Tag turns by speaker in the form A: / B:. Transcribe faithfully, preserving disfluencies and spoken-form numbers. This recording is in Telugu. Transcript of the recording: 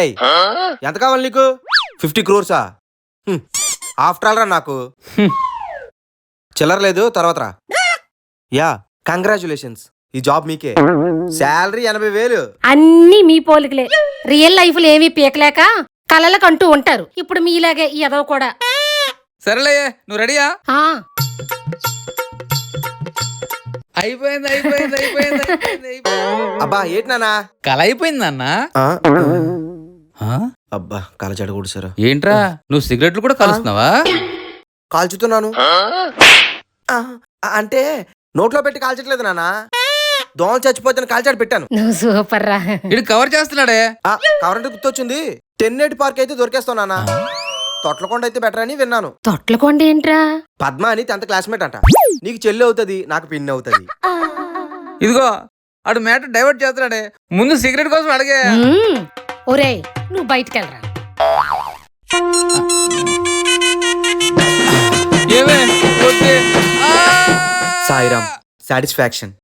A: రేయ్ ఎంత కావాలి నీకు? ఫిఫ్టీ క్రోర్సా? ఆఫ్టర్ ఆల్ రా నాకు చిల్లర లేదు, తర్వాత రా. యా కంగ్రాచులేషన్స్, ఈ జాబ్ మీకే. శాలరీ ఎనభై వేలు.
B: అన్ని మీ పోలికలే. రియల్ లైఫ్ లో ఏమీ పీకలేక కలలకంటూ ఉంటారు. ఇప్పుడు మీలాగే ఈ ఎదవ కూడా.
C: సరేలే, నువ్వు రెడీయా?
B: ఆ
C: అయిపోయింది అయిపోయింది అయిపోయింది అయిపోయింది అయిపోయింది.
A: అబ్బా ఏంటి నానా?
C: కల అయిపోయింది అన్న.
A: అబ్బా కల చెడకూడదు సార్.
C: ఏంట్రా నువ్వు సిగరెట్లు కూడా కలుస్తున్నావా?
A: కాల్చుతున్నాను. ఆ, అంటే నోట్లో పెట్టి కాల్చట్లేదు నానా, దోమలు చచ్చిపోతే కాల్చాడు పెట్టాను.
B: నువ్వు సూపర్ రా.
C: ఇది కవర్ చేస్తున్నాడే.
A: కవరంటే గుర్తొచ్చింది, టెన్నేటి పార్క్ అయితే దొరికేస్తావు నానా. తొట్లకొండ అయితే బెటర్ అని విన్నాను.
B: తొట్లకొండ ఏంట్రా?
A: పద్మ అని టెన్త్ క్లాస్మేట్ అంట. నీకు చెల్లి అవుతుంది, నాకు పిన్ని అవుతుంది.
C: ఇదిగో అడు మ్యాటర్ డైవర్ట్ చేస్తున్నాడే, ముందు సిగరెట్ కోసం అడిగే.
B: ఒరేయ్ నువ్వు బయటికి వెళ్ళరా.
C: ఏమే
A: సాయిరామ్ సాటిస్ఫాక్షన్.